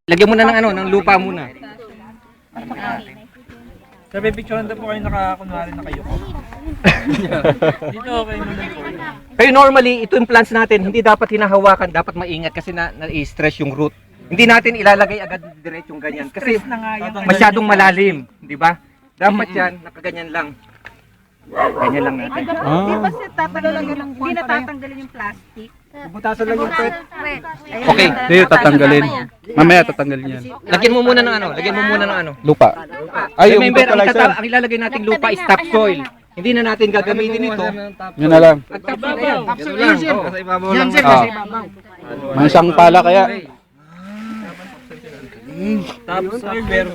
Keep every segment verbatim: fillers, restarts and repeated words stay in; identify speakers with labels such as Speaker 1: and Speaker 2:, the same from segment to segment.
Speaker 1: Lagyan mo na ng ano, ng lupa muna.
Speaker 2: Sabi, picturean daw po kayo nakakunwari na kayo ko. Dito okay naman po.
Speaker 1: Pero normally, ito yung plants natin, hindi dapat hinahawakan, dapat maingat kasi na, na-stress yung root. Hindi natin ilalagay agad diretsong ganyan kasi masyadong malalim, di ba? Dapat yan, nakaganyan lang. Ganyan lang natin.
Speaker 3: Ah. Di ba siya tatanggalin ng hindi na tatanggalin yung plastic?
Speaker 4: Butasan lang yung pet.
Speaker 1: Okay.
Speaker 5: Hindi, tatanggalin. Mamaya tatanggalin yan.
Speaker 1: Lagyan mo muna ng ano, lagyan mo muna ng ano.
Speaker 5: Lupa. Ay, yung
Speaker 1: Remember, ang,
Speaker 5: fertilizer.
Speaker 1: itata- ang ilalagay nating lupa is topsoil. Hindi na natin gagamitin ito.
Speaker 5: Yun na lang.
Speaker 1: At topsoil na yan. Ganun lang. Oh.
Speaker 4: Yan sir,
Speaker 5: Ah.
Speaker 4: nasa ibabaw.
Speaker 5: May isang pala kaya.
Speaker 2: Tapos, silver.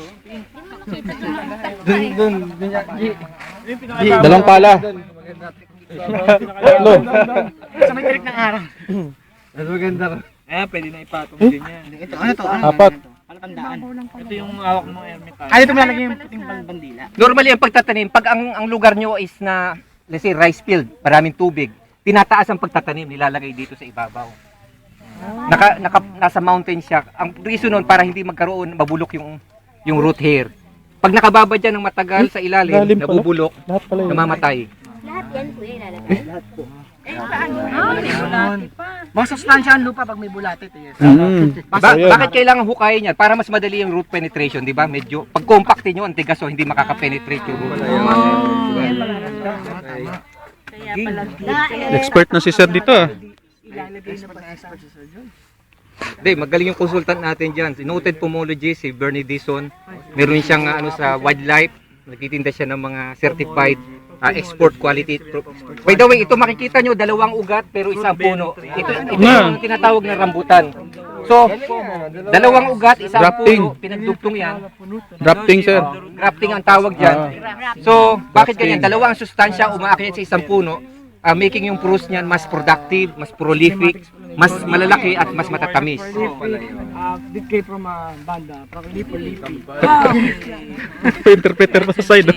Speaker 4: Dun, dun, dun, yan.
Speaker 5: Dalawang pala. Tatlo.
Speaker 4: Sa may tirik ng araw. Mas maganda ko.
Speaker 2: Eh, pwede na ipatong din yan.
Speaker 4: Ito, ano to? Ano?
Speaker 5: Apat.
Speaker 4: Palatandaan.
Speaker 2: Ito yung hawak ng ermita.
Speaker 4: Ay, ito malalagay yung puting bandila.
Speaker 1: Normally, ang pagtatanim, pag ang, ang lugar nyo is na, let's say, rice field, maraming tubig, tinataas ang pagtatanim, nilalagay dito sa ibabaw. Naka, naka, nasa mountain siya. Ang reason nun, para hindi magkaroon, mabulok yung, yung root hair. Pag nakababa dyan ng matagal sa ilalim,
Speaker 5: Lalim pala.
Speaker 1: nabubulok,
Speaker 5: Lahat pala yun.
Speaker 1: namamatay.
Speaker 6: Lahat yan po yung ilalagay. Lahat po.
Speaker 4: Mga sustansya ang lupa pag may bulatit. Eh.
Speaker 5: Mm.
Speaker 1: Ba-
Speaker 5: Ayun.
Speaker 1: bakit kailangan hukayin yan? Para mas madali yung root penetration, di ba? Medyo, pag compactin nyo, ang tigas, so hindi makaka-penetrate yung root.
Speaker 3: Kaya pala
Speaker 5: Expert na si sir dito ah.
Speaker 1: Hindi, magaling yung consultant natin dyan. Si noted pomologist, si Bernie Dison. Meron siyang uh, ano sa wildlife. Nagtitinda siya ng mga certified uh, export quality. By the way, ito makikita nyo, dalawang ugat pero isang puno. Ito, ito yung tinatawag na rambutan. So, dalawang ugat, isang
Speaker 5: Grafting.
Speaker 1: puno, pinagdugtong yan.
Speaker 5: Drafting sir.
Speaker 1: Grafting ang tawag dyan. So, bakit ganyan? Dalawang sustansya umaakyat sa isang puno, uh, making yung fruits niyan mas productive, mas prolific, mas malalaki at mas matatamis.
Speaker 4: Uh, did came from a banda, from Lipo Lipi.
Speaker 5: Interpreter pa sa side.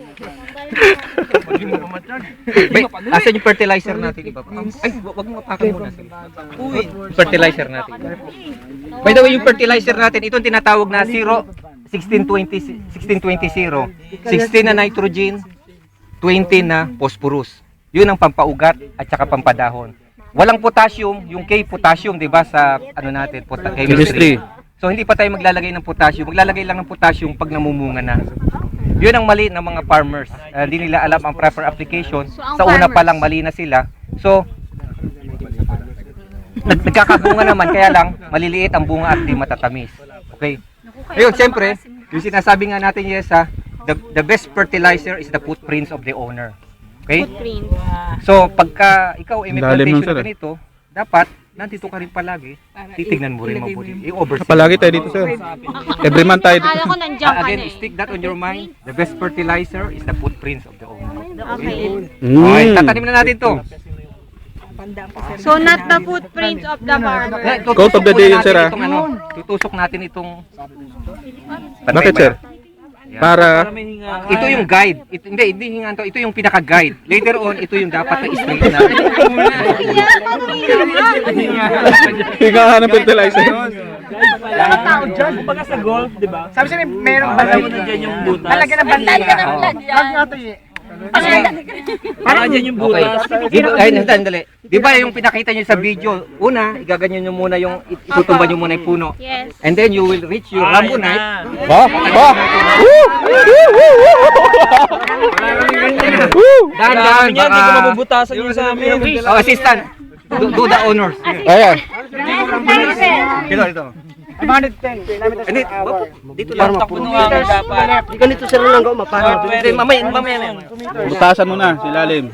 Speaker 1: May, asan yung fertilizer natin iba? Ay, wa- wag mo apakan muna. Uy, fertilizer natin. By the way, yung fertilizer natin, itong tinatawag na zero, sixteen twenty, sixteen twenty zero. sixteen na nitrogen, twenty na phosphorus. Yun ang pampaugat at saka pampadahon. Walang potassium, yung K potassium, 'di ba, sa ano natin, pota- chemistry. So hindi pa tayo maglalagay ng potassium. Maglalagay lang ng potassium pag namumunga na. Yun ang mali ng mga farmers. Uh, hindi nila alam ang proper application. Sa una pa lang mali na sila. So nag nagkakabunga naman, kaya lang maliliit ang bunga at di matatamis. Okay? Ayun, siyempre, yung sinasabi nga natin, yes, ha, the, the best fertilizer is the footprints of the owner. Okay? So, pagka ikaw ay may
Speaker 5: Lalim
Speaker 1: plantation
Speaker 5: nun, sir,
Speaker 1: na
Speaker 5: eh.
Speaker 1: ganito, dapat nandito ka rin palagi, titignan mo rin mabuti. I-oversee.
Speaker 5: Palagi tayo dito sir. Every month tayo dito.
Speaker 6: Akala ko nandiyan
Speaker 1: Ah,
Speaker 6: ka na
Speaker 1: again,
Speaker 6: eh.
Speaker 1: stick that on your mind. The best fertilizer is the footprints of the owner.
Speaker 6: Okay.
Speaker 1: Okay,
Speaker 5: Mm.
Speaker 1: tatanim na natin to.
Speaker 6: So not the footprints of the farmer.
Speaker 1: Eh,
Speaker 5: Quote of the day yun,
Speaker 1: natin
Speaker 5: sir, ah.
Speaker 1: itong ano, tutusok natin itong...
Speaker 5: Bakit sir? Para
Speaker 2: May hinga.
Speaker 1: Ito yung guide. Ito, hindi, hindi hingan to. Ito yung pinaka-guide. Later on, ito yung dapat na straight na.
Speaker 5: higahan ng fertilizer.
Speaker 2: Lahat tao dyan. Kumbaga sa golf, di ba?
Speaker 4: Sabi siya, may merong
Speaker 2: Basta
Speaker 4: banda.
Speaker 2: mo dyan yung butas.
Speaker 4: Lalagyan ng bandila. Wag nga to eh.
Speaker 2: Para dyan yung
Speaker 1: Okay.
Speaker 2: butas.
Speaker 1: Di ba, ay, sandali. Di ba yung pinakita nyo sa video, una, igaganyan nyo muna yung, itutumba nyo muna yung puno.
Speaker 6: Yes.
Speaker 1: And then you will reach your
Speaker 2: Ah,
Speaker 1: rambonite.
Speaker 2: yun na.
Speaker 5: Ba? Ba? Woo! Woo!
Speaker 1: Dahan, dahan,
Speaker 2: Kailangan niya, hindi ko
Speaker 1: baka...
Speaker 2: mabubutasan yun sa amin.
Speaker 1: Oh, assistant. Do, do the honors.
Speaker 5: Ayan.
Speaker 1: Ito, ito.
Speaker 4: five hundred ten.
Speaker 1: Hindi, dito lang.
Speaker 2: Takbo nung hammer dapat.
Speaker 4: Ganito sir lang ako mapara.
Speaker 1: Hindi, mamaya, mamaya na.
Speaker 5: Butasan mo na si lalim.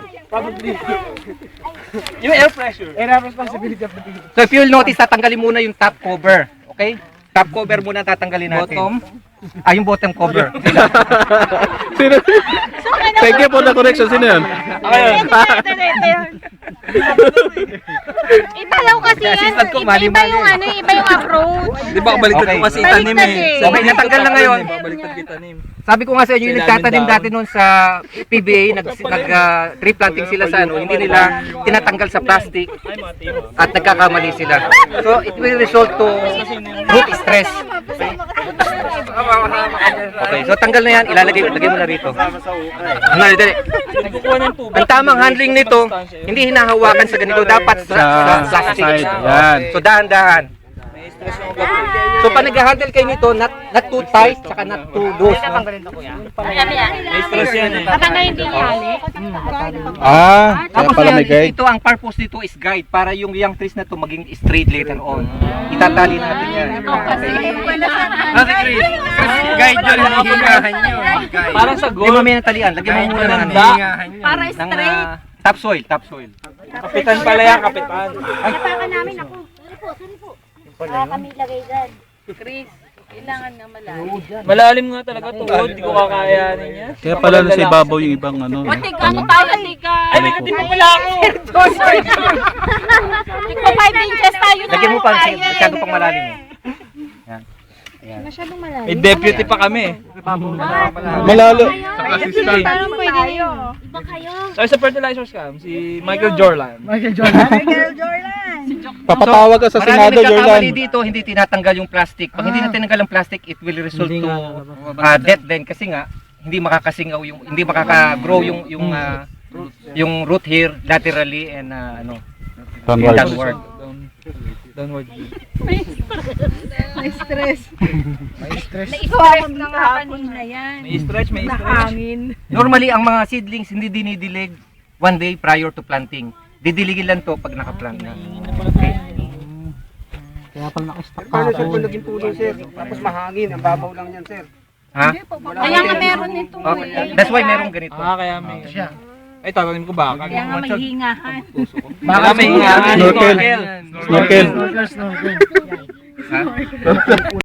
Speaker 2: Yung air pressure.
Speaker 4: Area of responsibility of the people.
Speaker 1: So if you'll notice, tatanggalin muna yung top cover. Okay? Top cover muna tatanggalin natin. Bottom? Ah, yung bottom cover.
Speaker 5: Sino? Thank you for the correction. Sino yun?
Speaker 6: Iba daw kasi yan.
Speaker 1: assistant ko,
Speaker 6: Iba, iba
Speaker 1: mali-mali.
Speaker 6: yung ano, iba yung approach.
Speaker 2: Di ba baliktad
Speaker 1: Okay.
Speaker 2: ko kasi itanim
Speaker 6: Baliktad
Speaker 2: eh.
Speaker 6: eh.
Speaker 1: Okay, natanggal na ngayon.
Speaker 2: Baliktad kitanim.
Speaker 1: Sabi ko nga sa inyo, yung
Speaker 2: Sa
Speaker 1: nagtatanim
Speaker 2: ilalim
Speaker 1: dati noon sa P B A, nag, nag uh, tree planting sila sa ano, hindi nila tinatanggal sa plastic
Speaker 2: Ay, mati mo.
Speaker 1: at nagkakamali sila. So it will result to root stress. Okay, so tanggal na yan, ilalagay lagay mo na rito. Dali, dali.
Speaker 2: Nagkukuha ng tubig.
Speaker 1: Ang tamang handling nito, hindi hinahawakan sa ganito, dapat sa, sa
Speaker 5: Sa
Speaker 1: plastic.
Speaker 5: side, yan.
Speaker 1: So dahan-dahan.
Speaker 2: May stress yung gabi.
Speaker 1: So pag nag-handle kayo nito, not, not too tight, saka not too loose. No?
Speaker 2: May stress yan eh.
Speaker 6: Baka na hindi hali.
Speaker 5: Ah, kaya
Speaker 1: Tapos
Speaker 5: pala
Speaker 1: yan,
Speaker 5: may guide.
Speaker 1: ito, ang purpose nito is guide para yung young trees na to maging straight later on. Itatali natin yan.
Speaker 2: Ah, si Chris.
Speaker 1: Guide yun, hihingahan nyo.
Speaker 2: Parang sa
Speaker 1: Hindi
Speaker 2: goal.
Speaker 1: mo may natalian, lagyan mo muna ng ano.
Speaker 3: Para
Speaker 1: Ng
Speaker 3: straight.
Speaker 1: ah, topsoil, topsoil.
Speaker 2: Kapitan pala yan, kapitan.
Speaker 3: Napakan namin ako.
Speaker 7: Sorry po, sorry po. Ah, kami lagay dyan.
Speaker 3: Chris, kailangan na malalim.
Speaker 2: Malalim nga talaga tuhod, hindi ko kakayanin yan.
Speaker 5: Kaya pala na si Babaw yung ibang ano. no?
Speaker 3: Tika, ano tayo, tika?
Speaker 2: Ay, may katip pa pala ako.
Speaker 3: Tika, five inches tayo na.
Speaker 1: Lagyan mo pa, kasi masyado pang malalim. eh.
Speaker 6: Masyadong malalim.
Speaker 2: May deputy pa kami.
Speaker 5: Malalo.
Speaker 6: Parang pwede rin.
Speaker 7: Iba kayo.
Speaker 2: Sabi sa fertilizer scam, si Michael Jordan.
Speaker 4: Michael Jordan.
Speaker 5: Papatawag ka sa
Speaker 1: Marami
Speaker 5: Senado, Jordan.
Speaker 1: nagkakamali dito, hindi tinatanggal yung plastic. Pag hindi na tinanggal ang plastic, it will result to uh, death then kasi nga hindi makakasingaw yung hindi makaka-grow yung yung uh, yung root here laterally and uh, ano
Speaker 5: Downward.
Speaker 1: downward.
Speaker 2: Down, downward.
Speaker 3: May stress.
Speaker 6: Stress na nga kanina yan.
Speaker 2: May stretch, may stretch.
Speaker 3: Nahangin.
Speaker 1: Normally ang mga seedlings hindi dinidilig one day prior to planting. Didiligin lang to pag naka-plant na.
Speaker 4: Kaya pala nakastock ka. Paano sir kung naging puno sir? Tapos mahangin, ang babaw lang yan sir.
Speaker 1: Ha?
Speaker 3: Kaya nga meron nito.
Speaker 1: Okay. That's why merong ganito.
Speaker 2: Ah, kaya may... Ay, tatanim ko ba?
Speaker 3: Kaya nga may hingahan.
Speaker 2: Baka may hingahan.
Speaker 5: Snorkel. Snorkel.
Speaker 1: Ha?